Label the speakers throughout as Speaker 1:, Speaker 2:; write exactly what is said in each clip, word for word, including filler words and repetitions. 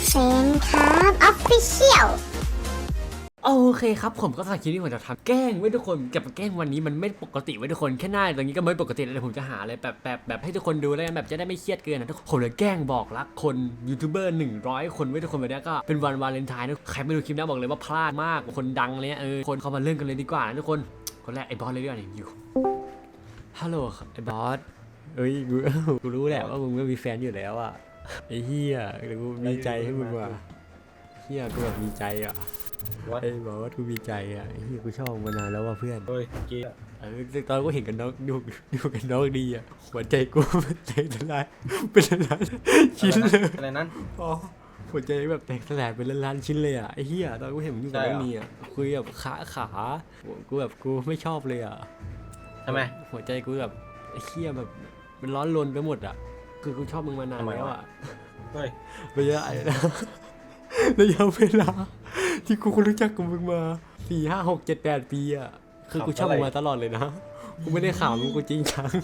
Speaker 1: เซนครับออฟฟิเชียล
Speaker 2: โอเคครับผมก็สำหรับคลิปนี้ผมจะทำแกล้งไว้ทุกคนกับแกล้งวันนี้มันไม่ปกติไว้ทุกคนแค่หน้าตรงนี้ก็ไม่ปกติแล้วผมจะหาอะไรแบบแบบแบบให้ทุกคนดูแล้วกันแบบจะได้ไม่เครียดเกินนะทุกคนผมเลยแกล้งบอกรักคนยูทูบเบอร์หนึ่งร้อยคนไว้ทุกคนวันนี้ก็เป็นวันวาเลนไทน์นะใครไม่ดูคลิปนี้บอกเลยว่าพลาดมากคนดังเลยเออคนเขามาเรื่องกันเลยดีกว่านะทุกคนคนแรกไอ้บอสเลยดีกว่าเนี่ยอยู่ฮัลโหลไอ้บอสเอ้ยกูกูรู้แหละว่ามึงไม่มีแฟนอยู่แล้วอ่ะไอ้เหี้ยกูมีใจให้มึงว่ะเหี้ยกูแบบมีใจอ่ะไอ้บอกว่ากูมีใจอ่ะไอ้เหี้ยกูชอบมานานแล้วว่ะเพื่อน
Speaker 3: เฮ้ยเกี้ย
Speaker 2: เออตอนกูเห็นกันน้องดูดูกันน้องดีอ่ะหัวใจกูมันแตกสลายเป็นล้านชิ้นเลย
Speaker 3: อะไรนั้น
Speaker 2: อ๋อหัวใจแบบแตกสลายเป็นล้านชิ้นเลยอ่ะไอ้เหี้ยตอนกูเห็นมึงอยู่กับน้องนี่อ่ะคุยแบบขาขากูแบบกูไม่ชอบเลยอ่ะ
Speaker 3: ทำไม
Speaker 2: หัวใจกูแบบไอ้เหี้ยแบบมันร้อนรนไปหมดอ่ะคือกูชอบมึงมานานแล้วอ่ะ
Speaker 3: เฮ้ย
Speaker 2: ระยะระยะเวลาที่กูรู้จักกับมึงมาสี่ห้าหกเจ็ดแปดปีอ่ะคือกูชอบมึงมาตลอดเลยนะกูไม่ได้ข่าวมึงกูจริงจัง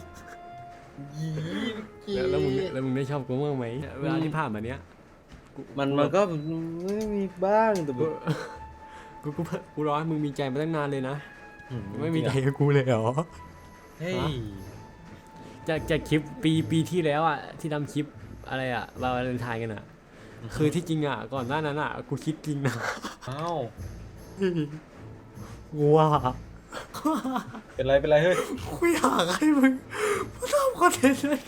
Speaker 3: ยี่
Speaker 2: แล้วแล้วมึงแล้วมึงได้ชอบกูบ้างไหมเวลาที่ผ่านมาเนี้ยกู
Speaker 3: มันมันก็ไม่มีบ้างแต่แบ
Speaker 2: กู
Speaker 3: บ
Speaker 2: กูกูกูรอให้มึงมีใจมาตั้งนานเลยนะไม่มีใจกับกูเลยเหรอ
Speaker 3: เฮ้ย
Speaker 2: จากจากคลิปปีปีที่แล้วอ่ะที่ทำคลิปอะไรอ่ะวาเลนไทน์กันอ่ะคือที่จริงอ่ะก่อนหน้านั้นอ่ะกูคิดจริงนะ
Speaker 3: เอ้า
Speaker 2: ว้า
Speaker 3: เป็นไรเป็นไรเฮ้ย
Speaker 2: กูอยากให้มึงมาทำคอนเทนต์เลยกัน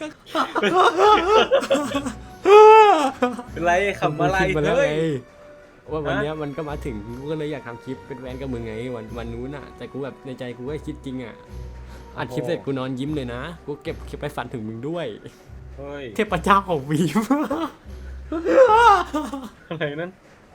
Speaker 3: เป็นไรขำอะไร
Speaker 2: มาแล้ว
Speaker 3: เฮ้ย
Speaker 2: ไงว่าวัน
Speaker 3: ฮะ
Speaker 2: เนี้ยมันก็มาถึงกูก็เลยอยากทำคลิปเป็นแฟนกับมึงไงวันวันนู้นอ่ะแต่กูแบบในใจกูก็คิดจริงอ่ะอัดคลิปเสร็จกูนอนยิ้มเลยนะกูเก็บคลิปไปฝันถึงมึงด้วย
Speaker 3: เฮ้ย
Speaker 2: เทพเจ้าของวีม
Speaker 3: อะไรนั้น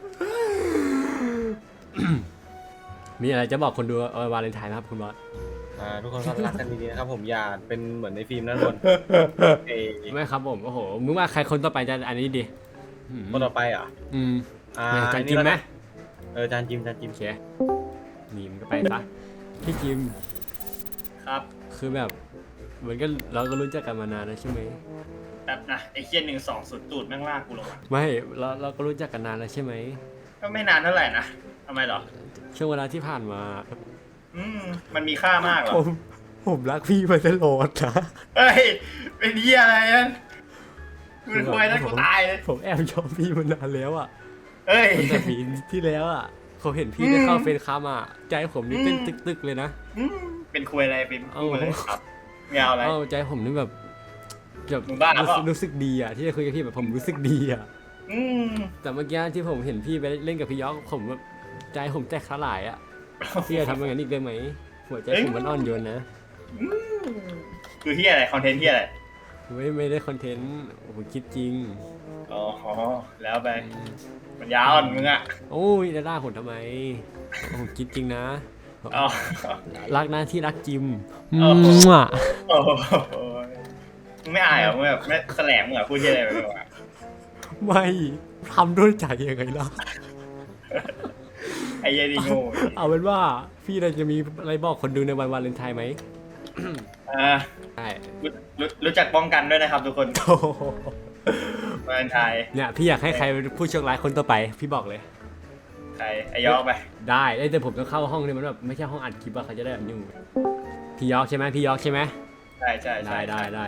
Speaker 2: มีอะไรจะบอกคนดูเออวาเลนไทน์ไหมครับคุณบอส
Speaker 3: อ่าทุกคนก็รักกันดีๆนะครับผมอย่าเป็นเหมือนในฟิล์มนั่นคนเอ้ย
Speaker 2: ไม่ครับผมโอ้โหมึงว่าใครคนต่อไปจะอันนี้ดีอืม
Speaker 3: คนต่อไปอ่ะ
Speaker 2: อืม
Speaker 3: อ่า
Speaker 2: จานจิมไหม
Speaker 3: เออจานจิมจานจิม
Speaker 2: โอเคนี่มันก็ไปซะพี่จิม
Speaker 4: ครับ
Speaker 2: คือแบบเหมือนกันเราก็รู้จักกันมานานแล้วใช่ไหม
Speaker 4: แบบนะไอ้เคียนหนึ่งสองสุดตูดแม่งลากกูลงมา
Speaker 2: ไม่เราเราก็รู้จักกันนานแล้วใช่ไหม
Speaker 4: ก็ไม่นานเท่าไหร่นะทำไมเหรอ
Speaker 2: ช่วงเวลาที่ผ่านมา
Speaker 4: อืมมันมีค่ามากเหรอ
Speaker 2: ผมผมรักพี่มาตลอดนะ
Speaker 4: เฮ้ยเป็นเหี้ยอะไรนั่นกูเป็นควายแล้วกูตายเลย
Speaker 2: ผมแอบชอบพี่มานานแล้วอ่ะ
Speaker 4: เฮ้ย
Speaker 2: ตั้งแต่ปีที่แล้วอ่ะผมเห็นพี่ได้เข้าเฟซคามาใจผมนี่เต้น
Speaker 4: อืม
Speaker 2: ตึกๆเลยนะ
Speaker 4: อืมเป็นควายอะไรเป็น
Speaker 2: เอา
Speaker 4: กูเลยครับไม่เอาอะไร
Speaker 2: เอ้าใจผมนี่แบบแบบ
Speaker 4: มึงบ้า
Speaker 2: รู้
Speaker 4: เป
Speaker 2: สึ
Speaker 4: ล่า
Speaker 2: กรู้สึกดีอ่ะที่ได้คุยกับพี่แบบผมรู้สึกดีอ่ะ
Speaker 4: อืม
Speaker 2: แต่เมื่อกี้ที่ผมเห็นพี่ไปเล่นกับพี่ยอกผมแบบใจผมแตกสลายอ่ะพี่จะทำอย่างนั้นอีกได้ไหมหัวใจผมมันอ่อนโยนนะ
Speaker 4: คือเหี้ยอะไรคอนเทนต์เหี้ยอะไร
Speaker 2: ไม่ไม่ได้คอนเทนต์ผมคิดจริง
Speaker 4: อ๋อแล้วไปมันยาวอ่อนมึงอ่ะ
Speaker 2: โอ้ยจะด่าผมทำไมผมคิดจริงนะ
Speaker 4: อ๋อ
Speaker 2: รักนะที่รักจิม
Speaker 4: โอ้โห
Speaker 2: มั่ว
Speaker 4: โอ้โหมึงไม่อายเหรอมึงแบบไม่แสลงมึงอ่ะพูดเหี้ยอะไรไปไม่รู้อ่ะ
Speaker 2: ไม่ทำด้วยใจยังไงล่ะ
Speaker 4: ไอ้เหี้ยดีโง่
Speaker 2: เอาเป็นว่าพี่เราจะมีอะไรบอกคนดูในวันวาเลนไทน์ไหม
Speaker 4: อ่า
Speaker 2: ใช่
Speaker 4: รู้รู้รู้จักป้องกันด้วยนะครับทุกคน
Speaker 2: โอ้โห
Speaker 4: วาเลนไทน์
Speaker 2: เนี่ยพี่อยากให้ใครเป็นผู้โชคร้ายคนต่อไปพี่บอกเลย
Speaker 4: ใครไอยอกไป
Speaker 2: ได้แต่ผมต้องเข้าห้องนี่มันแบบไม่ใช่ห้องอัดคลิปว่าเขาจะได้แบบยุ่งพี่ยอกใช่ไหมพี่ยอกใช่ไหม
Speaker 4: ใช่ใช่ใช่
Speaker 2: ได้ได้ได้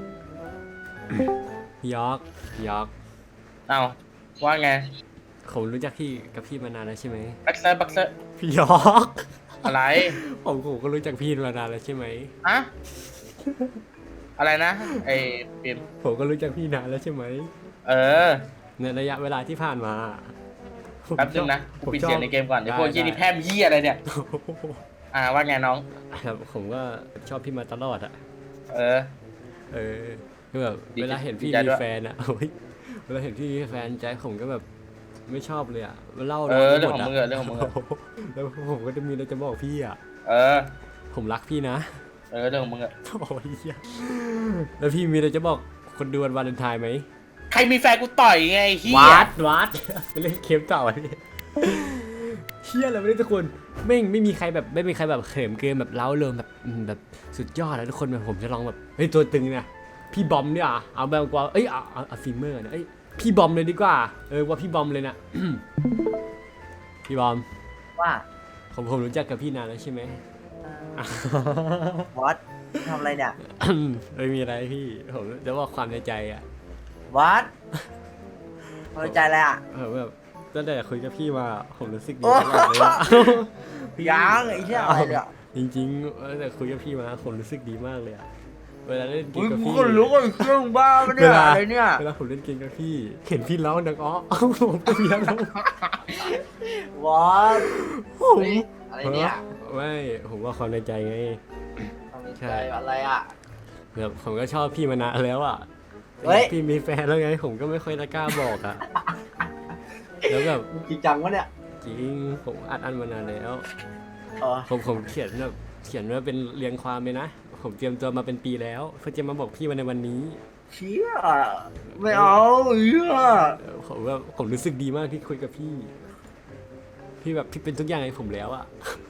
Speaker 2: พี่ยอกพี่ยอก
Speaker 3: เอาว่าไง
Speaker 2: ผมรู้จักพี่กับพี่มานานแล้วใช่ไหม
Speaker 3: บักเซอร์บักเซอร์
Speaker 2: พี่ยอก
Speaker 3: อะไร
Speaker 2: ผมผมก็รู้จักพี่มานานแล้วใช่ไหม
Speaker 3: ฮะอะไรนะไอ้ฟิล์ม
Speaker 2: ผมก็รู้จักพี่นานแล้วใช่ไหม
Speaker 3: เออ
Speaker 2: ในระยะเวลาที่ผ่านมาผม
Speaker 3: แป๊บนึงนะ
Speaker 2: ผ
Speaker 3: กู
Speaker 2: ม
Speaker 3: ปิด
Speaker 2: ชอบ
Speaker 3: เสียงในเกมก่อนไอ้พวก
Speaker 2: ได้
Speaker 3: ยี่นี่
Speaker 2: ได้
Speaker 3: แพร่มยี่อะไรเนี่ย อ่าว่าไงน้อง
Speaker 2: ครับผมก็ชอบพี่มาตลอดอะ
Speaker 3: เออ
Speaker 2: เออคือแบบ
Speaker 3: ดีใจ
Speaker 2: เวลาเห็นพี่
Speaker 3: ดีใจ
Speaker 2: มี
Speaker 3: ด้วย
Speaker 2: แฟนอะ โอ้ยเวลาเห็นพี่มีแฟนใจผมก็แบบไม่ชอบเลยอะเล่า
Speaker 3: เออ
Speaker 2: ไม่
Speaker 3: เรื่อง
Speaker 2: หม
Speaker 3: ของ
Speaker 2: ด
Speaker 3: มึงอะเรื่องของมึงอะ
Speaker 2: แล้วผมก็จะมีอะไรจะบอกพี่อะ
Speaker 3: เออ
Speaker 2: ผมรักพี่นะ
Speaker 3: เออเรื่องของมึงอะ
Speaker 2: โอ้ยเหี้ยแล้วพี่มีอะไรจะบอกคนดูวันวาเลนไทน์ไหม
Speaker 3: ใครมีแฟนกูต่อยไงไอ้เฮีย
Speaker 2: วัดวัดไปเล่นเกมต่อพี่เฮียอะไรไม่ได้ทุกคนไม่ไม่มีใครแบบไม่มีใครแบบเขิมเกินแบบเล้าเริงแบบอืมแบบสุดยอดแล้วทุกคนแบบผมจะลองแบบเฮ้ยตัวตึงเนี่ยพี่บอมเนี่ยเอาแบบกว่าเอ้ยเอาเอาเอาฟิล์มเมอร์เนี่ยเอ้ยพี่บอมเลยดีกว่าเออว่าพี่บอมเลยนะ พี่บอม
Speaker 5: ว่า
Speaker 2: ผมผมรู้จักกับพี่นานแล้วใช่ไหม
Speaker 5: วอตทำอะไรเนี่ย
Speaker 2: ไม่มีอะไรพี่ผมจะบอกความในใจอ่ะ
Speaker 5: วอตพอใจอะไรอ่ะ
Speaker 2: ผมแบบตั้งแต่คุยกับพี่มาผมรู้สึกดี
Speaker 5: โอ้
Speaker 2: ตลอดเลยอะ
Speaker 5: ยังไอ้เหี้ยอะไรเนี่ย
Speaker 2: จริงๆตั้งแต่คุยกับพี่มาผมรู้สึกดีมากเลยอะเวลาเล่นเก
Speaker 5: อุ้
Speaker 2: ม
Speaker 5: ย
Speaker 2: กับ
Speaker 5: กู
Speaker 2: พี่
Speaker 5: ก็รู้ว่าเครื่องบ้าปะ
Speaker 2: เว
Speaker 5: เนี่ย
Speaker 2: ลา
Speaker 5: อะไรเนี่ย
Speaker 2: เวลาผมเล่นเกมกับพี่ เห็นพี่ร้องดังอ้อ ผมก็มีอารมณ์
Speaker 5: วอต
Speaker 2: ผม
Speaker 5: อะไรเนี่ย
Speaker 2: ไม่ผมว่าความในใจไง
Speaker 5: ทำใจอะไรอ่ะ
Speaker 2: แบบผมก็ชอบพี่มานานแล้วอ่ะ
Speaker 5: เฮ้ย
Speaker 2: พี่มีแฟนแล้วไง ผมก็ไม่ค่อยจะกล้าบอกอ่ะ แล้วแบบ
Speaker 5: มึงจริงจังวะเนี่ย
Speaker 2: จริงผมอัดอั้นมานานแล้ว
Speaker 5: อ๋อ
Speaker 2: ผมผมเขียนแบบเขียนว่าเป็นเรียงความเลยนะ ผมเตรียมตัวมาเป็นปีแล้วเพื่อจะมาบอกพี่มาในวันนี้
Speaker 5: เชี่ยไม่เอาเหี้ย
Speaker 2: เออผมว่าผมรู้สึกดีมากที่คุยกับพี่ พี่แบบพี่เป็นทุกอย่างให้ผมแล้วอะ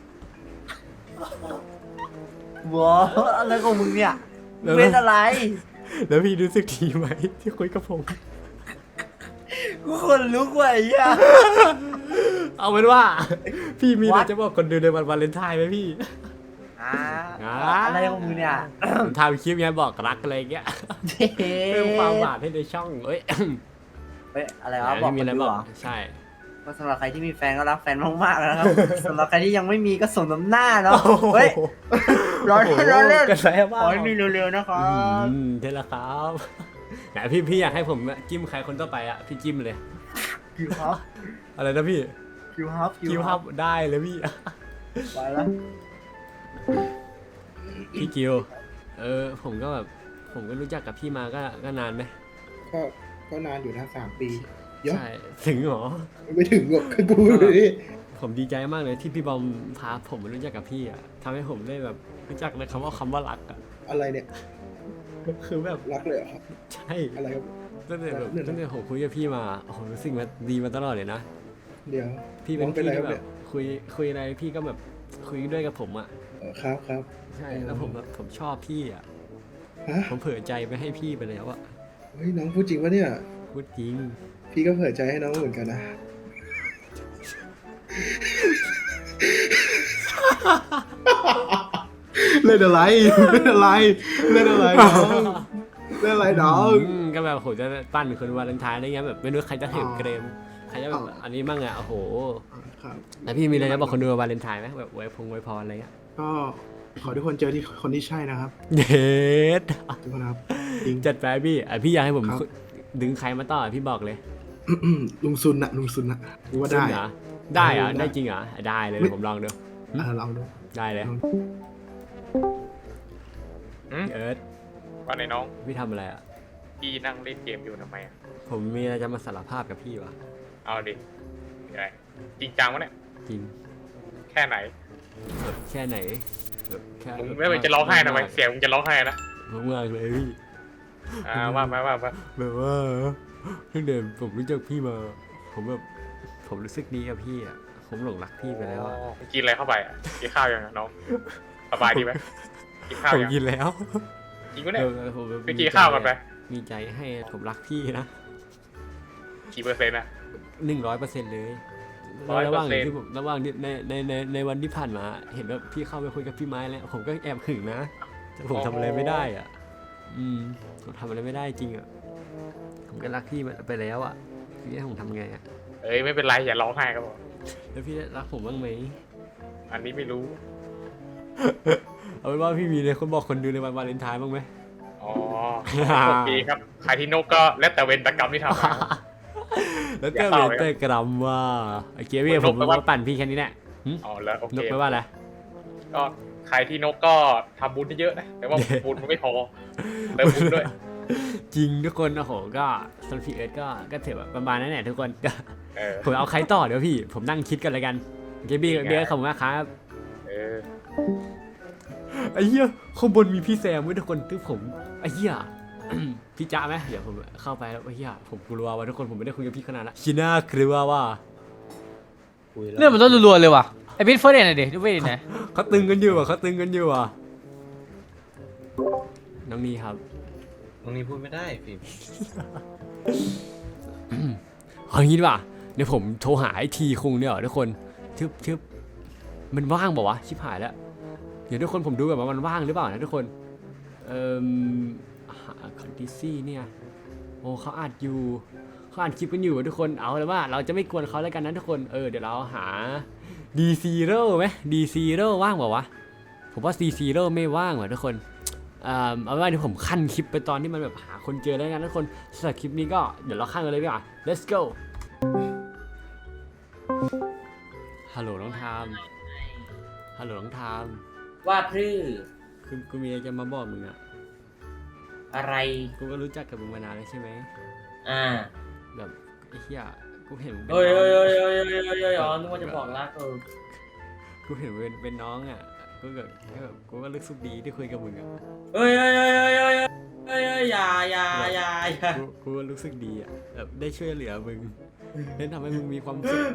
Speaker 5: วอตอะไรของมึงเนี่ยมึงเป็นอะไร
Speaker 2: แล้วพี่รู้สึกดีไหมที่คุยกับผม
Speaker 5: กูคนลุกว่ะไอ้เหี้ย
Speaker 2: เอาเป็นว่า พี่มีอะไร
Speaker 5: What?
Speaker 2: จะบอกคนดูในวันวาเลนไทน์ไหมพี่
Speaker 5: อ่า
Speaker 2: อ่า
Speaker 5: อะไรของมึงเนี่ย
Speaker 2: ผมทำคลิปไงบอกรักอะไรอย่างเงี้ยเพิ่มความหวานให้ในช่องเอ้ย
Speaker 5: เฮ้ยอะไรวะบอก
Speaker 2: มี
Speaker 5: ค
Speaker 2: อะไร
Speaker 5: นดู
Speaker 2: บอ
Speaker 5: เห
Speaker 2: ก
Speaker 5: รอ
Speaker 2: ใช่
Speaker 5: ก็สำหรับใครที่มีแฟนก็รักแฟนมากๆนะครับ สำหรับใครที่ยังไม่มีก็ส่งน้ำหน้าเนาะเฮ้ยร้อน
Speaker 2: โอ้โห
Speaker 5: ร้อนเล่น
Speaker 2: กระแส
Speaker 5: ข
Speaker 2: บ้า
Speaker 5: อให้มีเร็วๆนะครับ
Speaker 2: อืมเท่ละครับไหนพี่พี่อยากให้ผมจิ้มใครคนต่อไปอ่ะพี่จิ้มเลย
Speaker 5: คิวฮับ
Speaker 2: อะไรนะพี่
Speaker 5: คิวฮับ
Speaker 2: คิวฮับได้เลยพี่
Speaker 5: ไปแล้ว
Speaker 2: พี่กิวเออผมก็แบบผมก็รู้จักกับพี่มาก็ก็นานไหม
Speaker 6: ก็ก็นานอยู่นะสามปีเยอะ
Speaker 2: ใช่ถึงเหรอ
Speaker 6: ไม่ถึงหรอกคือกูเลยดิ
Speaker 2: ผมดีใจมากเลยที่พี่บอมพาผมมารู้จักกับพี่อ่ะทำให้ผมได้แบบรู้จักในคำว่าคำว่ารักอ่ะ
Speaker 6: อะไรเนี่ย
Speaker 2: คือแบบ
Speaker 6: รักเลยเหรอครับ
Speaker 2: ใช่
Speaker 6: อะไรครับ
Speaker 2: ตั้งแต่แบบ
Speaker 6: เนี่ยนะ
Speaker 2: ตั้งแต่ผมคุยกับพี่มาโอ้โหรู้สึกมาดีมาตลอดเลยนะ
Speaker 6: เดี๋ยว
Speaker 2: พี่เป็น
Speaker 6: น้องเป็น
Speaker 2: พี่
Speaker 6: อะไรค
Speaker 2: ที่
Speaker 6: รับ
Speaker 2: แบ
Speaker 6: เนี่
Speaker 2: บ
Speaker 6: ย
Speaker 2: คุยคุยอะไรพี่ก็แบบคุยด้วยกับผมอ่ะ
Speaker 6: เออครับครับ
Speaker 2: ใช่แล้วผมแบบผมชอบพี่อ่ะ
Speaker 6: ฮะ
Speaker 2: ผมเผื่อใจไปให้พี่ไปแล้วอ่ะ
Speaker 6: เฮ้ยน้องพูดจริงปะเนี่ย
Speaker 2: พูดจริง
Speaker 6: พี่ก็เผื่อใจให้น้องเหมือนกันนะเล่นอะไรเล่นอะไรเล่นอะไรน้องเล่นอะไรน้อง
Speaker 2: อืมก็แบบผมจะปั้นคนวาเลนไทน์อะไรเงี้ยแบบไม่รู้ใครจะเห็น
Speaker 6: อ๋อ
Speaker 2: เกรมใครจะแบบ
Speaker 6: อ๋ออั
Speaker 2: อันนี้บ้างอ่ะโอ้โห
Speaker 6: ครับ
Speaker 2: แล้วพี่มีอะไรจะบอกคนดูวาเลนไทน์ไหมแบบอวยพงอวยพรอะไรเงี้ย
Speaker 6: ก็ขอทุกคนเจอที่คนที่ใช่นะครับ
Speaker 2: เด็ด
Speaker 6: ทุกคนครับจริง
Speaker 2: จัดไปพี่อ่ะพี่อยากให้ผม
Speaker 6: ครับ
Speaker 2: ดึงใครมาต่อพี่บอกเลย
Speaker 6: ลุงซุนนะลุงซุนนะรู้ว่าได้
Speaker 2: จริงเหรอได้เหรอ
Speaker 6: ได้
Speaker 2: ได้จริงเหรอได้เลย
Speaker 6: ไม่
Speaker 2: ผมลองดู
Speaker 6: อ่าลองดู
Speaker 2: ได้เลย
Speaker 6: ลอง
Speaker 4: อืม
Speaker 2: พี่เอิร์ธ
Speaker 4: ว่าในน้อง
Speaker 2: พี่ทำอะไรอ่ะ
Speaker 4: พี่นั่งเล่นเกมอยู่ทำไมอ่ะ
Speaker 2: ผมมีอะไรจะมาสารภาพกับพี่วะ
Speaker 4: เอาดิอะไรจริงจังวะเนี่ย
Speaker 2: จริง
Speaker 4: แค่ไหน
Speaker 2: แบบแค่ไหนแบบแค่
Speaker 4: มึงไม่เป็นจะร้องไห้ทำไมเสียงมึงจะร้องไห้นะ
Speaker 2: มากๆเลยพี่
Speaker 4: อ่าว่ามาว่ามา
Speaker 2: แบบว่าตั้งแต่ผมรู้จักพี่มา ผมแบบผมรู้สึกดีกับพี่อ่ะผมหลงรักพี่ไปแล้วอ่ะ
Speaker 4: มึงกินอะไรเข้าไปอ่ะกินข้าวยังอะน้องสบายดีไหมกินข้าว
Speaker 2: ผม
Speaker 4: ยัง
Speaker 2: กินแล้ว
Speaker 4: จริงปะเนี่ย
Speaker 2: ออผมแบบ
Speaker 4: ไปกินข้าวกันไป
Speaker 2: มีใจให้ผมรักพี่นะ
Speaker 4: กี่เปอร์เซ็นต์อ่ะ
Speaker 2: หนึ่งร้อยเปอร์เซ็นต์เลย
Speaker 4: ร้อย
Speaker 2: ระห
Speaker 4: เปอ
Speaker 2: ว่าง
Speaker 4: ร์เซ็นต์
Speaker 2: ที่ผมระหว่างที่ในในในในวันที่ผ่านมา เห็นว่าพี่เข้าไปคุยกับพี่ไม้แล้ว ผมก็แอบหึงนะแต่ผมทำอะไรไม่ได้อ่ะ อืมผมทำอะไรไม่ได้จริงอ่ะผมก็รักพี่ไปแล้วอ่ะพี่ให้ผมทำไงอ่ะ
Speaker 4: เอ้ยไม่เป็นไรอย่าร้องไห้ก็พอ
Speaker 2: แล้วพี่รักผมบ้างไหม
Speaker 4: อันนี้ไม่รู้
Speaker 2: เอาเป็นว่าพี่มีเลยคนบอกคนดูในวันวาเลนไทน์บ้างไหม
Speaker 4: อ๋อโอเคครับใครที่นกก็แล้วแต่เวรแต่กรรมที่ทำมา
Speaker 2: แล้ว
Speaker 4: อ
Speaker 2: ก็
Speaker 4: ย่า
Speaker 2: เว
Speaker 4: เศร้า
Speaker 2: น
Speaker 4: เลย
Speaker 2: เตอร์กรัมว่าไอ้เกียร์พี่
Speaker 4: น
Speaker 2: ผ
Speaker 4: ก
Speaker 2: ม
Speaker 4: แปลว่า
Speaker 2: มาปั่นพี่แค่นี้แหละหึ
Speaker 4: อ๋อแล้วโอเคน
Speaker 2: กไปลว่าอะไร
Speaker 4: ก็ใครที่นกก็ทำบุญเยอะๆนะแต่ว่าบุญมันไม่พอเติมบุญด้วย
Speaker 2: จริงทุกคนโอ้โหก็สำหรับพี่เอิร์ธก็ก็ถือแบบประมาณนั้นแหละทุกคนก็
Speaker 4: เออ
Speaker 2: ผมเอาใครต่อเดี๋ยวพี่ ผมนั่งคิดกันเลยกันเกบี้
Speaker 4: ยังไง
Speaker 2: เบี้ยขอบคุณมากครับ
Speaker 4: เออ
Speaker 2: ไอ้เหี้ยข้างบนมีพี่แซมด้วยทุกคนที่ผมไอ้เหี้ย พี่จ้าไหมเดี๋ยวผมเข้าไปแล้วไอ้เหี้ยผมกลัวว่าทุกคนผมไม่ได้คุยกับพี่ขนาดละชิน่ากลัวว่า
Speaker 7: เรื่องมันต้องรัวๆเลยว่ะไอ้บิ๊กเฟิร์สเดนหน่อยดิดูเวดิไหน
Speaker 2: เขาตึงกันอยู่อ่ะเขาตึงกันอยู่อ่ะน้องนีครับ
Speaker 3: ตรงนี้พูดไม่ได้ฟิล์ม
Speaker 2: เอางี้ดีกว่าเดี๋ยวผมโทรหาไอทีคุงเนี่ยเหรอทุกคนทึบทึบมันว่างเปล่าวะชิบหายแล้วเดี๋ยวทุกคนผมดูแบบว่ามันว่างหรือเปล่านะทุกคนเอ่อคอนดิซี่เนี่ยโอ้เขาอัดอยู่เขาอัดคลิปกันอยู่ทุกคนเอาเลยว่าเราจะไม่กวนเขาแล้วกันนะทุกคนเออเดี๋ยวเราหา D Zero ไหม D Zero ว่างเปล่าวะผมว่า C Zero ไม่ว่างว่ะทุกคนเอ่อเอาเป็นว่าเดี๋ยวผมขั้นคลิปไปตอนที่มันแบบหาคนเจอแล้วกันทุกคนสำหรับคลิปนี้ก็เดี๋ยวเราขั้นกันเลยดีกว่า let's go ฮัลโหลน้องทามฮัลโหลน้องทาม
Speaker 8: ว่าพรือ
Speaker 2: คือกูมีอะไรจะมาบอกมึงอะ
Speaker 8: อะไร
Speaker 2: กูก็รู้จักกับมึงมานานแล้วใช่ไหม
Speaker 8: อ่า
Speaker 2: แบบไอ้เหี้ยกูเห็นมึงเป็น
Speaker 8: เอ้ย
Speaker 2: น้
Speaker 8: เอ้ย
Speaker 2: อง
Speaker 8: เอ้ยเอ้ยเอ้ยเอ้ยเอ้ยอ๋อนึกว่าจะบอกรักเออ
Speaker 2: กูเห็นมึงเป็นเป็นน้องอะกูก็ก็แบบกูก็รู้สึกดีที่คุยกับมึงอะ
Speaker 8: เอ้ยเอ้ยเอ้ยเอ้ยเอ้ยเอ้ยเอ้ยอย่าอย่าอย่าอย่า
Speaker 2: กูกูก็รู้สึกดีอะแบบได้ช่วยเหลือมึงได้ทำให้มึงมีความสุข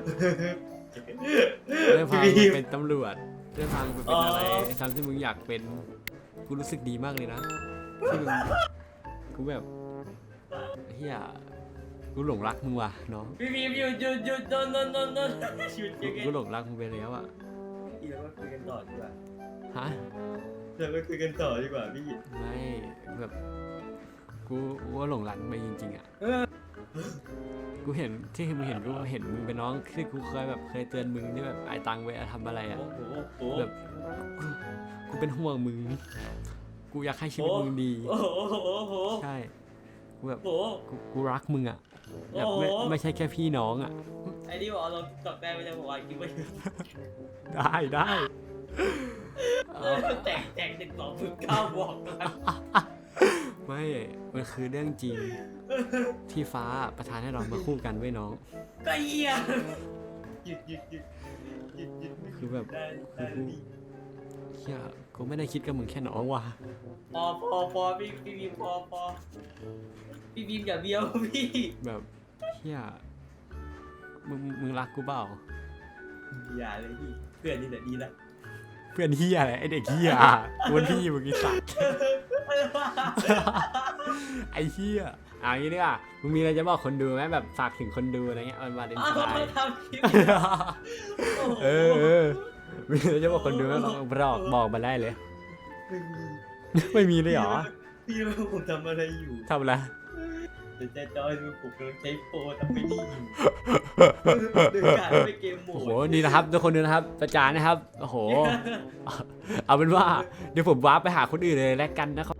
Speaker 2: ได้พามึงเป็นตำรวจได้พามึงไปเป็นอะไรไอ้ทำที่มึงอยากเป็นกูรู้สึกดีมากเลยนะที่มึงกูแบบเฮียกูหลงรักมึงว่ะน้อง
Speaker 8: พี่บีมหยุดหยุดหยุดโดนโดนโดนโดนหยุดหยุด
Speaker 2: กูหลงรักมึงไปแล้วอ่ะ
Speaker 8: พี่เราคุยกันต่อดีกว่า
Speaker 2: ฮะ
Speaker 8: เราไปคุยกันต่อดีกว่าพี่
Speaker 2: ไม่แบบกูกูก็หลงรักมึงไปจริงๆอ่ะกูเห็นที่มึงเห็นกูเห็นมึงเป็นน้องที่กูเคยแบบเคยเตือนมึงที่แบบไอ้ตังไปทำอะไรอ่ะ
Speaker 8: โอ้โหโอ้โห
Speaker 2: แบบกูกูเป็นห่วงมึงกูอยากให้ชีวิตมึงดี
Speaker 8: โอ้โหโอ้โห
Speaker 2: ใช่กูแบบ
Speaker 8: โอ้โห
Speaker 2: กูกูรักมึงอ่ะแบบไม่
Speaker 8: โอ้โห
Speaker 2: ไม่ใช่แค่พี่น้องอ่ะ
Speaker 8: ไอ้นี่บอกเราตอบได้ไม่ได้บอกว่าคิดว่า
Speaker 2: ได้ได้เอา
Speaker 8: แตกแตกหนึ่งสองศูนย์เก้าบอกกัน
Speaker 2: ไม่ มันคือเรื่องจริง ที่ฟ้าประทานให้เรามาคู่กันไว้ยน้อง
Speaker 8: ก็เหี้ยหยุดหยุดหยุดหยุดหยุดหยุด
Speaker 2: คือแบบ
Speaker 8: ได้
Speaker 2: คื
Speaker 8: ได้
Speaker 2: อกูเฮียกูไม่ได้คิดกับมึงแค่น้องว่ะ
Speaker 8: พอพอพอพี่พี่บีมพอพอพี่บีมอย่าเบี้ยวพี่
Speaker 2: แบบเฮียมึงมึงรักกูเปล่า
Speaker 8: อย่าเลยพี่เพื่อนนี่แหละดีละ
Speaker 2: เพื่อนเฮียอะไรไอเด็กเฮียกูเป็นพี่มึงไอ้สัตว์ ไอ้เฮียเอ่ะงี้ดีกว่ามึงมีอะไรจะบอกคนดูไหมแบบฝากถึงคนดูอะไรเงี้ยวันวาเลน
Speaker 8: อ้าว
Speaker 2: ไทน์
Speaker 8: ทำคลิป
Speaker 2: เออเออมีอะไรจะบอกคนดูไหมลองบอกบอกมาได้เลย ไม่มีเลยเหรอ
Speaker 8: พี่รู้ผมทำอะไรอยู่
Speaker 2: ทำอะไร
Speaker 8: เดี๋ยวจะจอยดูผมกำลังใช้โปรทำไม่ดีอยู่เดินการไปเกมโหม
Speaker 2: โอ้
Speaker 8: ด
Speaker 2: โหนี่นะครับทุกคนดูนะครับประจานนะครับโอ้โหเอาเป็นว่าเดี๋ยวผมวาร์ปไปหาคนอื่นเลยแล้วกันนะครับ